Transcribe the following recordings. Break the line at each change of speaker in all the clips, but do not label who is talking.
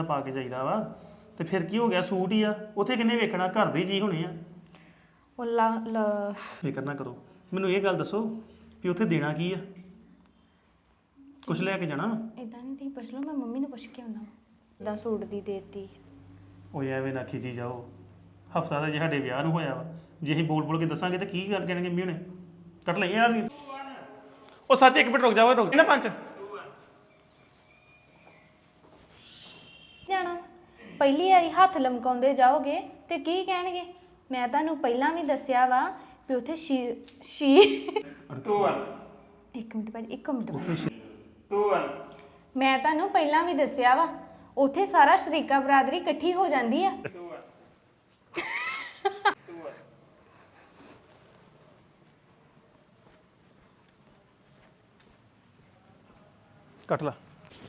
ਪਾ ਕੇ ਜਾਈਦਾ ਵਾ ਤੇ ਫਿਰ ਕੀ ਹੋ ਗਿਆ ਸੂਟ ਹੀ ਆ ਉੱਥੇ ਕਿੰਨੇ ਵੇਖਣਾ ਘਰ ਦੇ ਹੀ ਜੀ ਹੋਣੇ ਆ
ਉਹ
ਫਿਕਰ ਨਾ ਕਰੋ ਮੈਨੂੰ ਇਹ ਗੱਲ ਦੱਸੋ ਕਿ ਉੱਥੇ ਦੇਣਾ ਕੀ ਆ ਕੁਛ ਲੈ ਕੇ ਜਾਣਾ
ਇਦਾਂ ਨਹੀਂ ਤੁਸੀਂ ਪੁੱਛ ਲਓ ਮੈਂ ਮੰਮੀ ਨੂੰ ਪੁੱਛ ਕੇ ਆਉਣਾ ਦਾ ਸੂਟ ਦੀ ਦੇਤੀ
ਉਹ ਐਵੇਂ ਨਾ ਖਿਜੀ ਜਾਓ ਹਫਤਾ ਦਾ ਜੇ ਸਾਡੇ ਵਿਆਹ ਨੂੰ ਹੋਇਆ ਵਾ ਜੇ ਅਸੀਂ ਬੋਲ ਬੋਲ ਕੇ ਦੱਸਾਂਗੇ ਤਾਂ ਕੀ ਕਰ ਕਹਿਣਗੇ ਮੰਮੀ ਹੁਣੇ ਕੱਟ ਲਈ ਯਾਰ ਉਹ ਸੱਚ ਇੱਕ ਮਿੰਟ ਰੁਕ ਜਾਓ ਰੁਕ ਨਾ ਪੰਜ
ਜਾਣਾ ਪਹਿਲੀ ਵਾਰੀ ਹੱਥ ਲਮਕਾਉਂਦੇ ਜਾਓਗੇ ਤੇ ਕੀ ਕਹਿਣਗੇ ਮੈਂ ਤੁਹਾਨੂੰ ਪਹਿਲਾਂ ਵੀ ਦੱਸਿਆ ਵਾ ਵੀ ਉੱਥੇ ਸ਼ੀ ਇੱਕ ਮਿੰਟ ਭਾਜੀ ਮੈਂ ਤੁਹਾਨੂੰ ਪਹਿਲਾਂ ਵੀ ਦੱਸਿਆ ਵਾ ਉੱਥੇ ਸਾਰਾ ਸ਼ਰੀਕਾ ਬਰਾਦਰੀ ਇਕੱਠੀ ਹੋ ਜਾਂਦੀ ਆ
ਕੱਟ ਲਾ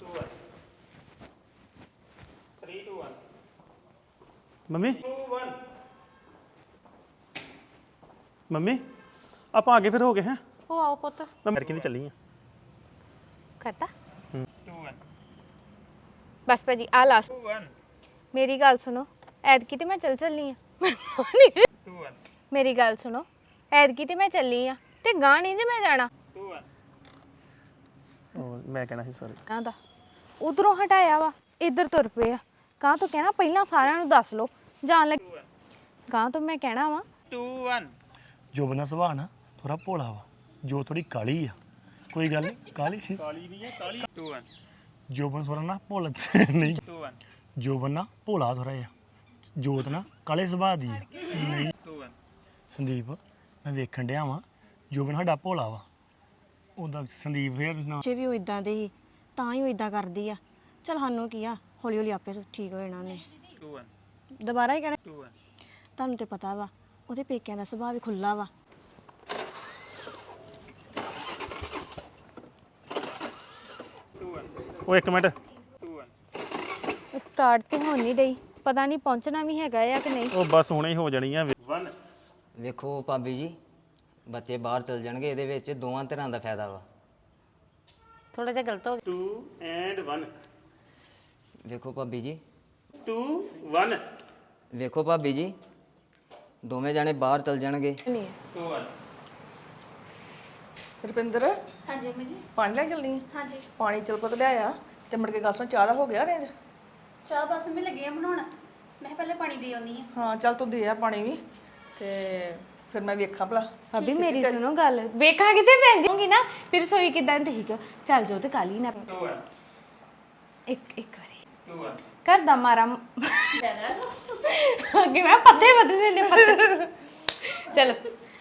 ਮੰਮੀ ਮੰਮੀ ਆਪਾਂ ਅੱਗੇ ਫਿਰ ਹੋ ਗਏ ਹੈ
ਉਹ ਆਓ ਪੁੱਤ
ਮੈਂ ਮਰ ਕੇ ਨਹੀਂ ਚੱਲੀ ਆ
ਕਰਤਾ ਬਸ ਭਾਜੀ ਆ ਲਾਸਟ ਮੇਰੀ ਗੱਲ ਸੁਣੋ ਐਤਕੀ ਤੇ ਮੈਂ ਚੱਲੀ ਆ ਮੇਰੀ ਗੱਲ ਸੁਣੋ ਐਤਕੀ ਤੇ ਮੈਂ ਚੱਲੀ ਆ ਤੇ ਗਾਂ ਨਹੀਂ ਜੇ ਮੈਂ ਜਾਣਾ
ਉਹ ਮੈਂ ਕਹਿਣਾ ਸੀ ਸੌਰੀ
ਕਹਿੰਦਾ ਉਧਰੋਂ ਹਟਾਇਆ ਵਾ ਇੱਧਰ ਤੁਰ ਪਏ ਆ ਕਾਂ ਤੋਂ ਕਹਿਣਾ ਪਹਿਲਾਂ ਸਾਰਿਆਂ ਨੂੰ ਦੱਸ ਲਓ ਜਾਣ ਲੱਗ ਕਾਂ ਤੋਂ ਮੈਂ ਕਹਿਣਾ ਵਾ
2 1 ਜੋ ਬਣਾ ਸੁਭਾਅ ਨਾ ਥੋੜਾ ਭੋਲਾ ਵਾ ਜੋ ਥੋੜੀ ਕਾਲੀ ਆ ਕੋਈ ਗੱਲ ਨਹੀਂ ਕਾਲੀ ਵੀ ਹੈ ਕਾਲੀ 2 1 ਜੋ ਬਣ ਥੋੜਾ ਨਾ ਭੋਲਾ ਨਹੀਂ 2 1 ਜੋ ਬਣਾ ਭੋਲਾ ਥੋੜਾ ਜਿਹਾ ਜੋਤ ਨਾ ਕਾਲੇ ਸੁਭਾਅ ਦੀ ਆ ਨਹੀਂ 2 1 ਸੰਦੀਪ ਮੈਂ ਵੇਖਣ ਡਿਆ ਵਾਂ ਜੋ ਬਣ ਸਾਡਾ ਭੋਲਾ ਵਾ ਉਹਦਾ ਸੰਦੀਪ ਫੇਰ ਨਾ
ਜੇ ਵੀ ਉਹ ਇਦਾਂ ਦੇ ਹੀ ਤਾਂ ਹੀ ਉਹ ਇਦਾਂ ਕਰਦੀ ਆ ਚਲ ਸਾਨੂੰ ਕੀ ਆ ਹੌਲੀ ਹੌਲੀ ਆਪੇ ਠੀਕ ਹੋ ਜਾਣਾ ਨੇ
2 1
ਦੁਬਾਰਾ ਹੀ ਕਹਿਣਾ
2 1
ਤੁਹਾਨੂੰ ਤੇ ਪਤਾ ਵਾ ਉਹਦੇ ਪੇਕਿਆਂ ਦਾ ਸੁਭਾਅ ਵੀ ਖੁੱਲਾ ਵਾ
ਉਹ ਇੱਕ ਮਿੰਟ
ਸਟਾਰਟ ਤੇ ਹੋਣ ਨਹੀਂ ਡਈ ਪਤਾ ਨਹੀਂ ਪਹੁੰਚਣਾ ਵੀ ਹੈਗਾ ਆ ਕਿ ਨਹੀਂ
ਉਹ ਬਸ ਹੁਣੇ ਹੀ ਹੋ ਜਾਣੀ ਆ 1
ਵੇਖੋ ਭਾਬੀ ਜੀ ਬੱਚੇ ਬਾਹਰ ਚਲ ਜਾਣਗੇ ਇਹਦੇ ਵਿੱਚ ਦੋਵਾਂ ਤਰ੍ਹਾਂ ਦਾ ਫਾਇਦਾ ਵਾ
ਥੋੜਾ ਜਿਹਾ ਗਲਤ ਹੋ
2 ਐਂਡ 1
ਵੇਖੋ ਭਾਬੀ ਜੀ
2 1
ਵੇਖੋ ਭਾਬੀ ਜੀ ਦੋਵੇਂ ਜਾਣੇ ਬਾਹਰ ਚਲ ਜਾਣਗੇ
ਨਹੀਂ
2 1
ਰੁਪਿੰਦਰ
ਹਾਂਜੀ ਮੰਮੀ ਜੀ
ਪਾਣੀ ਲੈ ਕੇ ਚੱਲਣੀ ਹੈ
ਹਾਂਜੀ
ਪਾਣੀ ਚਲ ਪਤ ਲਿਆਇਆ ਤੇ ਮੁੜ ਕੇ ਗੱਲ ਸੁਣ ਚਾਹ ਦਾ ਹੋ ਗਿਆ ਰੇਂਜ
ਚਾਹ ਬਸ ਮੈਂ ਲੱਗੀ ਆ ਬਣਾਉਣਾ ਮੈਂ ਪਹਿਲੇ ਪਾਣੀ ਦੇ ਆਉਣੀ ਆ
ਹਾਂ ਚੱਲ ਤੂੰ ਦੇ ਆ ਪਾਣੀ ਵੀ ਤੇ ਫਿਰ ਮੈਂ ਵੇਖਾਂ ਭਲਾ
ਅਭੀ ਮੇਰੀ ਸੁਣੋ ਗੱਲ ਵੇਖਾਂਗੀ ਤੇ ਭੈਣ ਜਾਊਂਗੀ ਨਾ ਫਿਰ ਸੋਈ ਕਿਦਾਂ ਠੀਕ ਆ ਚੱਲ ਜਾਓ ਤੇ ਕਾਲੀ ਨਾ
2 1
ਇੱਕ ਵਾਰੀ
2 1
ਕਰ ਦਾ ਮਾਰਾ ਅੱਗੇ ਮੈਂ ਪੱਤੇ ਬਦਲਨੇ ਨੇ ਪੱਤੇ ਚਲੋ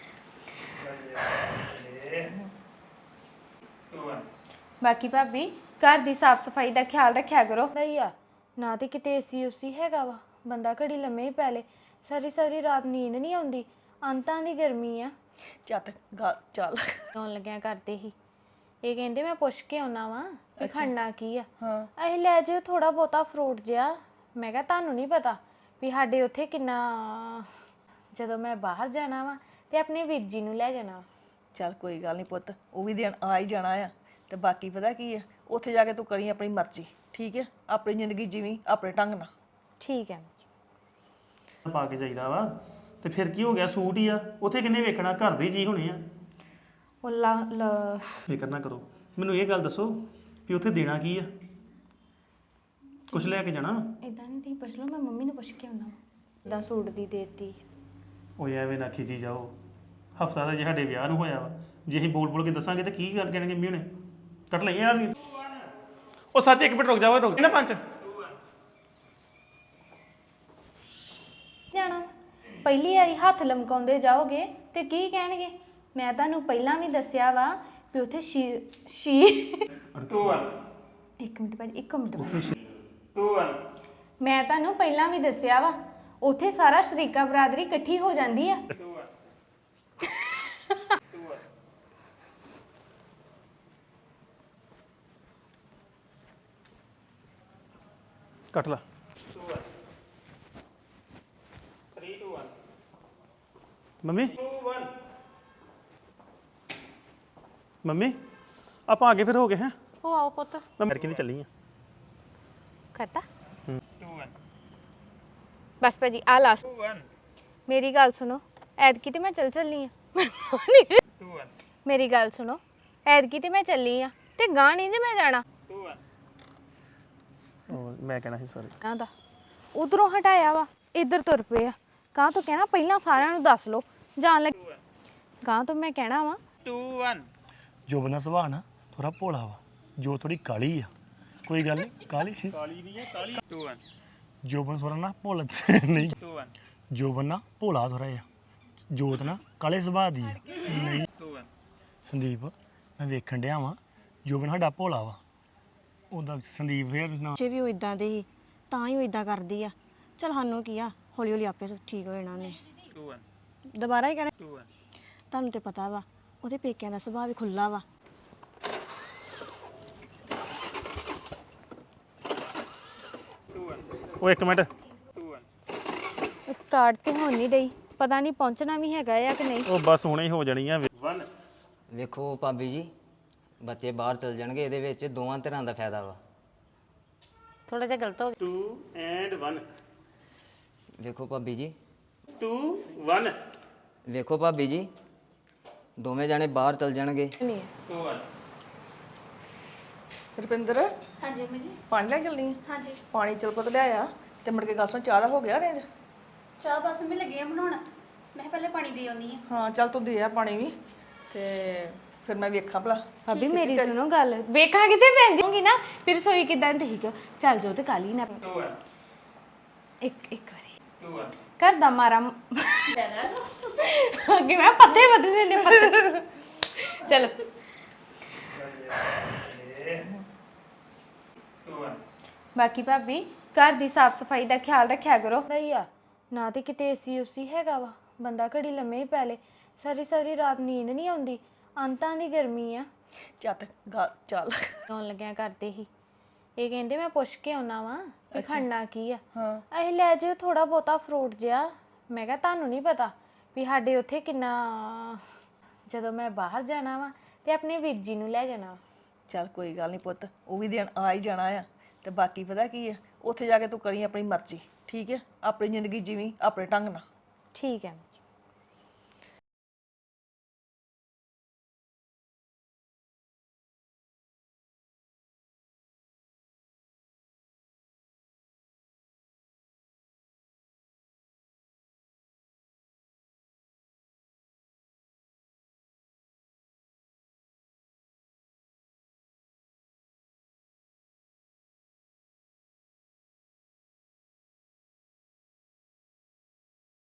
2 1
ਬਾਕੀ ਭਾਬੀ ਘਰ ਦੀ ਸਾਫ ਸਫਾਈ ਦਾ ਖਿਆਲ ਰੱਖਿਆ ਕਰੋ ਨਹੀਂ ਆ ਨਾ ਤੇ ਕਿਤੇ ਏਸੀ ਉਸੀ ਹੈਗਾ ਵਾ ਬੰਦਾ ਘੜੀ ਲੰਮੇ ਹੀ ਪੈ ਲੇ ਸਾਰੀ ਸਾਰੀ ਰਾਤ ਨੀਂਦ ਨਹੀਂ ਆਉਂਦੀ ਅੰਤਾਂ ਦੀ ਗਰਮੀ ਆ
ਚੱਤ ਚੱਲ
ਆਉਣ ਲੱਗਿਆ ਕਰਦੇ ਹੀ ਇਹ ਕਹਿੰਦੇ ਮੈਂ ਪੁੱਛ ਕੇ ਆਉਣਾ ਵਾ ਵੀ ਖੜਨਾ ਕੀ ਆ
ਹਾਂ
ਅਸੀਂ ਲੈ ਜਾਓ ਥੋੜਾ ਬਹੁਤਾ ਫਰੂਟ ਜਿਹਾ ਮੈਂ ਕਿਹਾ ਤੁਹਾਨੂੰ ਨਹੀਂ ਪਤਾ ਵੀ ਸਾਡੇ ਉੱਥੇ ਕਿੰਨਾ ਜਦੋਂ ਮੈਂ ਬਾਹਰ ਜਾਣਾ ਵਾ ਤੇ ਆਪਣੇ ਵੀਰ ਜੀ ਨੂੰ ਲੈ ਜਾਣਾ
ਚੱਲ ਕੋਈ ਗੱਲ ਨਹੀਂ ਪੁੱਤ ਉਹ ਵੀ ਦਿਨ ਆ ਹੀ ਜਾਣਾ ਆ ਤੇ ਬਾਕੀ ਪਤਾ ਕੀ ਆ ਉੱਥੇ ਜਾ ਕੇ ਤੂੰ ਕਰੀ ਆਪਣੀ ਮਰਜ਼ੀ ਠੀਕ ਹੈ ਆਪਣੀ ਜ਼ਿੰਦਗੀ ਜੀਵੀਂ ਆਪਣੇ ਢੰਗ ਨਾਲ
ਠੀਕ ਹੈ
ਪਾ ਕੇ ਜਾਈਦਾ ਵਾ ਤੇ ਫਿਰ ਕੀ ਹੋ ਗਿਆ ਸੂਟ ਹੀ ਆ ਉੱਥੇ ਕਿੰਨੇ ਵੇਖਣਾ ਘਰ ਦੇ ਹੀ ਜੀ ਹੋਣੇ ਆ
ਉਹ
ਫਿਕਰ ਨਾ ਕਰੋ ਮੈਨੂੰ ਇਹ ਗੱਲ ਦੱਸੋ ਕਿ ਉੱਥੇ ਦੇਣਾ ਕੀ ਆ ਕੁਛ ਲੈ ਕੇ ਜਾਣਾ
ਇਦਾਂ ਨਹੀਂ ਤੁਸੀਂ ਪੁੱਛ ਲਓ ਮੈਂ ਮੰਮੀ ਨੂੰ ਪੁੱਛ ਕੇ ਆਉਣਾ ਦਾ ਸੂਟ ਦੀ ਦੇਤੀ
ਉਹ ਐਵੇਂ ਨਾ ਖਿਜੀ ਜਾਓ ਹਫਤਾ ਦਾ ਜੇ ਸਾਡੇ ਵਿਆਹ ਨੂੰ ਹੋਇਆ ਵਾ ਜੇ ਅਸੀਂ ਬੋਲ ਬੋਲ ਕੇ ਦੱਸਾਂਗੇ ਤਾਂ ਕੀ ਕਰ ਕਹਿਣਗੇ ਮੰਮੀ ਹੁਣੇ ਕੱਟ ਲਈ ਯਾਰ ਉਹ ਸੱਚ ਇੱਕ ਮਿੰਟ ਰੁਕ ਨਾ ਪੰਜ
ਜਾਣਾ ਪਹਿਲੀ ਵਾਰੀ ਹੱਥ ਲਮਕਾਉਂਦੇ ਜਾਓਗੇ ਤੇ ਕੀ ਕਹਿਣਗੇ ਮੈਂ ਤੁਹਾਨੂੰ ਪਹਿਲਾਂ ਵੀ ਦੱਸਿਆ ਵਾ ਵੀ ਉੱਥੇ ਸ਼ੀ
2 1
ਇੱਕ ਮਿੰਟ ਭਾਜੀ ਇੱਕ ਮਿੰਟ
2 1
ਮੈਂ ਤੁਹਾਨੂੰ ਪਹਿਲਾਂ ਵੀ ਦੱਸਿਆ ਵਾ ਉੱਥੇ ਸਾਰਾ ਸ਼ਰੀਕਾ ਬਰਾਦਰੀ ਇਕੱਠੀ ਹੋ ਜਾਂਦੀ ਆ
ਕੱਟ ਲਾ ਮੰਮੀ ਮੰਮੀ ਆਪਾਂ ਅੱਗੇ ਫਿਰ ਹੋ ਗਏ ਹੈ
ਉਹ ਆਓ ਪੁੱਤ
ਮੈਂ ਮਰ ਕੇ ਨਹੀਂ ਚੱਲੀ ਆ
ਕਰਤਾ ਬਸ ਭਾਜੀ ਆ ਲਾਸਟ ਮੇਰੀ ਗੱਲ ਸੁਣੋ ਐਤਕੀ ਤੇ ਮੈਂ ਚੱਲੀ ਆ ਮੇਰੀ ਗੱਲ ਸੁਣੋ ਐਤਕੀ ਤੇ ਮੈਂ ਚੱਲੀ ਆ ਤੇ ਗਾਂ ਨਹੀਂ ਜੇ ਮੈਂ ਜਾਣਾ
ਮੈਂ ਕਹਿਣਾ ਸੀ ਸੌਰੀ
ਕਾਂ ਦਾ ਉਧਰੋਂ ਹਟਾਇਆ ਵਾ ਇੱਧਰ ਤੁਰ ਪਏ ਆ ਕਾਂ ਤੋਂ ਕਹਿਣਾ ਪਹਿਲਾਂ ਸਾਰਿਆਂ ਨੂੰ ਦੱਸ ਲਓ ਜਾਣ ਲੱਗ ਕਾਂ ਤੋਂ ਮੈਂ ਕਹਿਣਾ ਵਾ
ਜੋਬਨ ਦਾ ਸੁਭਾਅ ਨਾ ਥੋੜਾ ਭੋਲਾ ਵਾ ਜੋ ਥੋੜੀ ਕਾਲੀ ਆ ਕੋਈ ਗੱਲ ਨਹੀਂ ਕਾਲੀ ਨਹੀਂ ਹੈ ਕਾਲੀ ਜੋਬਨ ਥੋੜਾ ਨਾ ਭੋਲਾ ਨਹੀਂ ਜੋਬਨ ਨਾ ਭੋਲਾ ਥੋੜਾ ਜਿਹਾ ਜੋਤ ਨਾ ਕਾਲੇ ਸੁਭਾਅ ਦੀ ਆ ਨਹੀਂ ਸੰਦੀਪ ਮੈਂ ਵੇਖਣ ਡਿਆ ਵਾਂ ਜੋਬਨ ਸਾਡਾ ਭੋਲਾ ਵਾ ਉਹਦਾ ਸੰਦੀਪ ਫੇਰ ਨਾ
ਜੇ ਵੀ ਉਹ ਇਦਾਂ ਦੇ ਸੀ ਤਾਂ ਹੀ ਉਹ ਇਦਾਂ ਕਰਦੀ ਆ ਚਲ ਸਾਨੂੰ ਕੀ ਆ ਹੌਲੀ ਹੌਲੀ ਆਪੇ ਠੀਕ ਹੋ ਜਾਣਾ ਨੇ ਦੁਬਾਰਾ ਹੀ ਕਹਿਣਾ ਤੁਹਾਨੂੰ ਤੇ ਪਤਾ ਵਾ ਉਹਦੇ ਪੇਕਿਆਂ ਦਾ ਸੁਭਾਅ ਵੀ ਖੁੱਲਾ ਵਾ
ਉਹ ਇੱਕ ਮਿੰਟ
ਸਟਾਰਟ ਤੇ ਹੋਣ ਨਹੀਂ ਡਈ ਪਤਾ ਨਹੀਂ ਪਹੁੰਚਣਾ ਵੀ ਹੈਗਾ ਆ ਕਿ ਨਹੀਂ
ਉਹ ਬਸ ਹੁਣੇ ਹੀ ਹੋ ਜਾਣੀ ਆ
ਵੇਖੋ ਭਾਬੀ ਜੀ ਬੱਚੇ ਬਾਹਰ ਚਲ ਜਾਣਗੇ ਇਹਦੇ ਵਿੱਚ ਦੋਵਾਂ ਧਿਰਾਂ ਦਾ ਫਾਇਦਾ ਵਾ
ਥੋੜਾ ਜਿਹਾ ਗਲਤ ਹੋ
2 ਐਂਡ 1
ਵੇਖੋ ਭਾਬੀ ਜੀ
2 1
ਵੇਖੋ ਭਾਬੀ ਜੀ ਦੋਵੇਂ ਜਾਣੇ ਬਾਹਰ ਚਲ ਜਾਣਗੇ
ਰੁਪਿੰਦਰ
ਹਾਂਜੀ ਮੰਮੀ ਜੀ
ਪਾਣੀ ਲੈ ਕੇ ਚੱਲਣੀ ਆ
ਹਾਂਜੀ
ਪਾਣੀ ਚਲ ਪੁੱਤ ਲਿਆਇਆ ਤੇ ਮੁੜ ਕੇ ਗੱਲ ਸੁਣ ਚਾਹ ਦਾ ਹੋ ਗਿਆ ਰੇਂਜ
ਚਾਹ ਬਸ ਮੈਂ ਲੱਗੀ ਆ ਬਣਾਉਣ ਮੈਂ ਪਹਿਲੇ ਪਾਣੀ ਦੇ ਆਉਣੀ ਆ
ਹਾਂ ਚੱਲ ਤੂੰ ਦੇ ਆ ਪਾਣੀ ਵੀ ਤੇ ਫਿਰ ਮੈਂ ਵੇਖਾਂ ਭਲਾ
ਭਾਬੀ ਮੇਰੀ ਸੁਣੋ ਗੱਲ ਵੇਖਾਂਗੀ ਤੇ ਭੈਣ ਜਾਊਂਗੀ ਨਾ ਫਿਰ ਸੋਈ ਕਿਦਾਂ ਠੀਕ ਚੱਲ ਜਾਓ ਤੇ ਕਾਲੀ ਨਾ ਇੱਕ ਵਾਰੀ ਕਰ ਦਾ ਮਾਰਾ ਅੱਗੇ ਮੈਂ ਪੱਤੇ ਬਦਲਨੇ ਨੇ ਪੱਤੇ ਚਲੋ ਬਾਕੀ ਭਾਬੀ ਘਰ ਦੀ ਸਾਫ ਸਫਾਈ ਦਾ ਖਿਆਲ ਰੱਖਿਆ ਕਰੋ ਭਈਆ ਨਾ ਤੇ ਕਿਤੇ ਏਸੀ ਉਸੀ ਹੈਗਾ ਵਾ ਬੰਦਾ ਘੜੀ ਲੰਮੇ ਹੀ ਪੈ ਲੇ ਸਾਰੀ ਰਾਤ ਨੀਂਦ ਨਹੀਂ ਆਉਂਦੀ ਅੰਤਾਂ ਦੀ ਗਰਮੀ ਆ
ਚੱਲ
ਆਉਣ ਲੱਗਿਆ ਕਰਦੇ ਹੀ ਇਹ ਕਹਿੰਦੇ ਮੈਂ ਪੁੱਛ ਕੇ ਆਉਣਾ ਵਾ ਵੀ ਖੜਨਾ ਕੀ ਆ
ਹਾਂ
ਇਹ ਲੈ ਜਿਓ ਥੋੜਾ ਬਹੁਤਾ ਫਰੂਟ ਜਿਹਾ ਮੈਂ ਕਿਹਾ ਤੁਹਾਨੂੰ ਨਹੀਂ ਪਤਾ ਵੀ ਸਾਡੇ ਉੱਥੇ ਕਿੰਨਾ ਜਦੋਂ ਮੈਂ ਬਾਹਰ ਜਾਣਾ ਵਾ ਤੇ ਆਪਣੇ ਵੀਰ ਜੀ ਨੂੰ ਲੈ ਜਾਣਾ
ਚੱਲ ਕੋਈ ਗੱਲ ਨਹੀਂ ਪੁੱਤ ਉਹ ਵੀ ਦਿਨ ਆ ਹੀ ਜਾਣਾ ਆ ਤੇ ਬਾਕੀ ਪਤਾ ਕੀ ਆ ਉੱਥੇ ਜਾ ਕੇ ਤੂੰ ਕਰੀ ਆਪਣੀ ਮਰਜ਼ੀ ਠੀਕ ਹੈ ਆਪਣੀ ਜ਼ਿੰਦਗੀ ਜੀਵੀਂ ਆਪਣੇ ਢੰਗ ਨਾਲ
ਠੀਕ ਹੈ